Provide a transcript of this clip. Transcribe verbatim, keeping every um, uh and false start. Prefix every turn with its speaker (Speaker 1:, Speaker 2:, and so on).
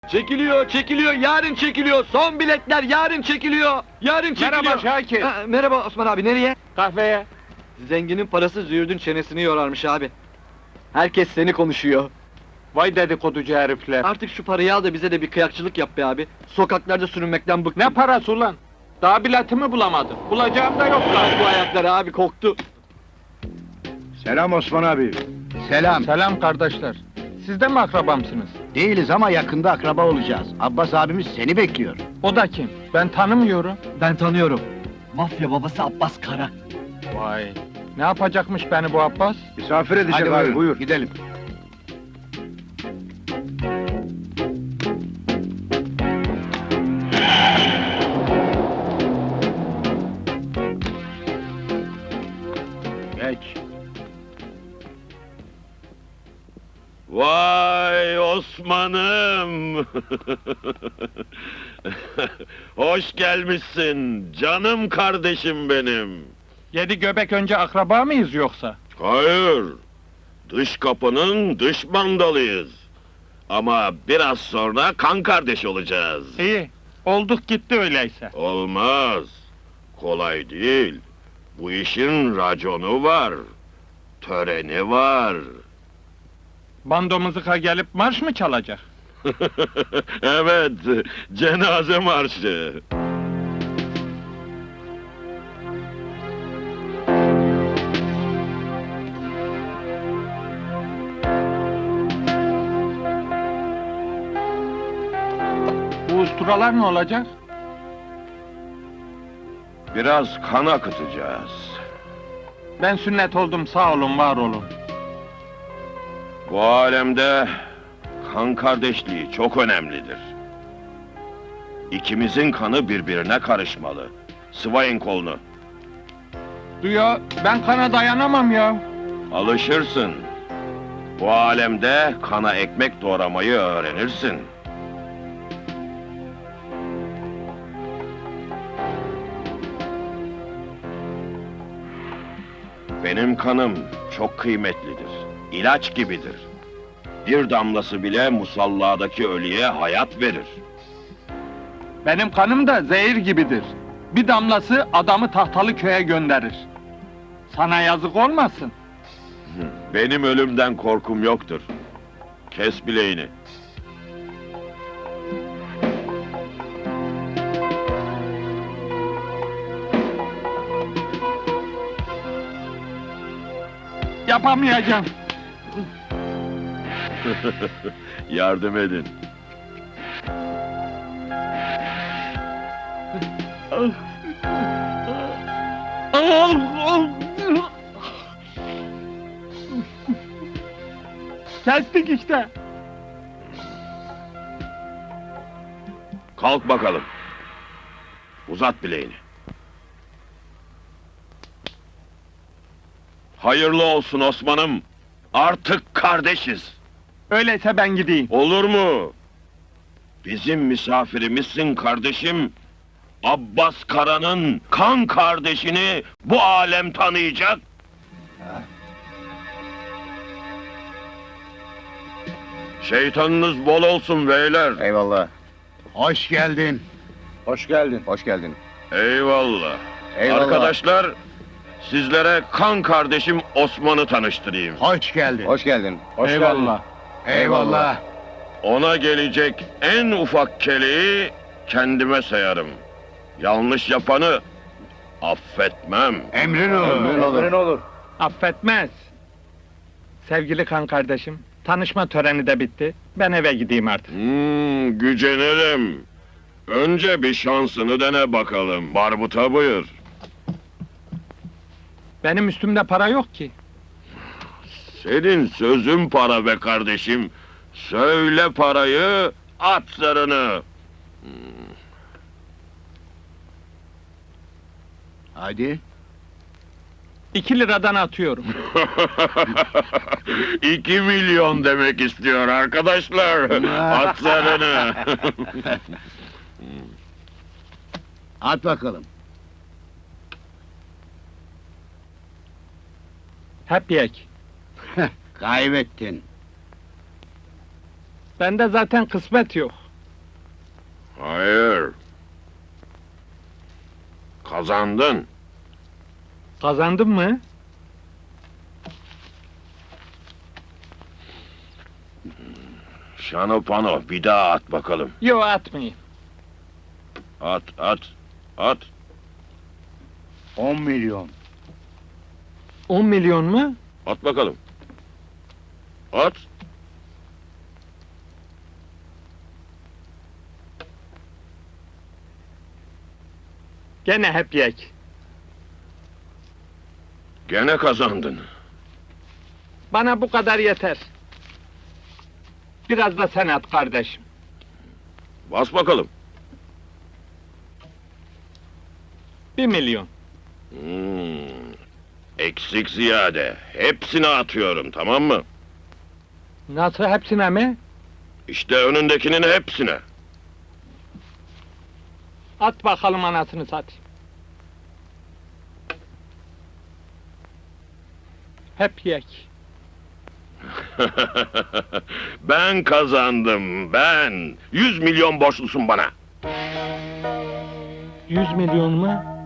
Speaker 1: Çekiliyor, çekiliyor, yarın çekiliyor. Son biletler yarın çekiliyor. Yarın çekiliyor.
Speaker 2: Merhaba Şakir.
Speaker 1: Ha, merhaba Osman abi, nereye?
Speaker 2: Kahveye.
Speaker 1: Zenginin parası züğürdün çenesini yorarmış abi. Herkes seni konuşuyor.
Speaker 2: Vay dedikoducu herifler.
Speaker 1: Artık şu parayı al da bize de bir kıyakçılık yap be abi. Sokaklarda sürünmekten bıktım.
Speaker 2: Ne parası ulan? Daha biletimi bulamadım. Bulacağım da yok lan.
Speaker 1: Bu ayaklar abi koktu.
Speaker 3: Selam Osman abi. Selam.
Speaker 2: Selam kardeşler. Siz de mi akrabamsınız?
Speaker 3: Değiliz ama yakında akraba olacağız. Abbas abimiz seni bekliyor.
Speaker 2: O da kim? Ben tanımıyorum.
Speaker 1: Ben tanıyorum. Mafya babası Abbas Kara.
Speaker 2: Vay. Ne yapacakmış beni bu Abbas?
Speaker 3: Misafir edecek
Speaker 2: Hadi
Speaker 3: abi,
Speaker 2: buyurun.
Speaker 3: buyur. Gidelim. Geç.
Speaker 4: Vay Osman'ım! Hoş gelmişsin, canım kardeşim benim.
Speaker 2: Yedi göbek önce akraba mıyız yoksa?
Speaker 4: Hayır, dış kapının dış mandalıyız. Ama biraz sonra kan kardeş olacağız.
Speaker 2: İyi. Olduk gitti öyleyse.
Speaker 4: Olmaz, kolay değil. Bu işin raconu var, töreni var.
Speaker 2: Bando mızıka gelip marş mı çalacak?
Speaker 4: Evet, cenaze marşı.
Speaker 2: Bu usturalar ne olacak?
Speaker 4: Biraz kan akıtacağız.
Speaker 2: Ben sünnet oldum, sağ olun, var olun.
Speaker 4: Bu alemde kan kardeşliği çok önemlidir. İkimizin kanı birbirine karışmalı. Sıvayın kolunu.
Speaker 2: Duyuyor, ben kana dayanamam ya.
Speaker 4: Alışırsın. Bu alemde kana ekmek doğramayı öğrenirsin. Benim kanım çok kıymetlidir. İlaç gibidir. Bir damlası bile musalladaki ölüye hayat verir.
Speaker 2: Benim kanım da zehir gibidir. Bir damlası adamı tahtalı köye gönderir. Sana yazık olmasın.
Speaker 4: Benim ölümden korkum yoktur. Kes bileğini.
Speaker 2: Yapamayacağım.
Speaker 4: Yardım edin.
Speaker 2: Kestik işte.
Speaker 4: Kalk bakalım. Uzat bileğini. Hayırlı olsun Osman'ım. Artık kardeşiz.
Speaker 2: Öyleyse ben gideyim.
Speaker 4: Olur mu? Bizim misafirimizsin kardeşim. Abbas Kara'nın kan kardeşini bu alem tanıyacak. Şeytanınız bol olsun beyler.
Speaker 3: Eyvallah. Hoş geldin.
Speaker 5: Hoş geldin.
Speaker 3: Hoş geldin.
Speaker 4: Eyvallah.
Speaker 3: Eyvallah.
Speaker 4: Arkadaşlar, sizlere kan kardeşim Osman'ı tanıştırayım.
Speaker 3: Hoş geldin.
Speaker 5: Hoş geldin. Hoş
Speaker 2: Eyvallah.
Speaker 3: Eyvallah.
Speaker 4: Ona gelecek en ufak keleği kendime sayarım. Yanlış yapanı affetmem.
Speaker 3: Emrin olur.
Speaker 5: geldin. Emrin olur.
Speaker 2: Affetmez. Sevgili kan kardeşim, tanışma töreni de bitti. Ben eve gideyim artık.
Speaker 4: Hmm, gücenirim. Önce bir şansını dene bakalım. Barbuta buyur.
Speaker 2: Benim üstümde para yok ki.
Speaker 4: Senin sözün para be kardeşim. Söyle parayı, at zarını.
Speaker 3: Hadi.
Speaker 2: İki liradan atıyorum.
Speaker 4: İki milyon demek istiyor arkadaşlar. At zarını.
Speaker 3: At bakalım.
Speaker 2: Hep yek.
Speaker 3: Kaybettin.
Speaker 2: Bende zaten kısmet yok.
Speaker 4: Hayır. Kazandın.
Speaker 2: Kazandın mı?
Speaker 4: Şanopano bir daha at bakalım.
Speaker 2: Yo, atmayayım.
Speaker 4: At at at.
Speaker 3: On milyon.
Speaker 2: On milyon mu?
Speaker 4: At bakalım. At.
Speaker 2: Gene hep yek.
Speaker 4: Gene kazandın.
Speaker 2: Bana bu kadar yeter. Biraz da sen at kardeşim.
Speaker 4: Bas bakalım.
Speaker 2: Bir milyon.
Speaker 4: Hmm. Eksik ziyade. Hepsini atıyorum, tamam mı?
Speaker 2: Nasıl, hepsine mi?
Speaker 4: İşte önündekinin hepsine.
Speaker 2: At bakalım anasını satayım. Hep yek.
Speaker 4: Ben kazandım, ben. Yüz milyon borçlusun bana.
Speaker 2: Yüz milyon mu?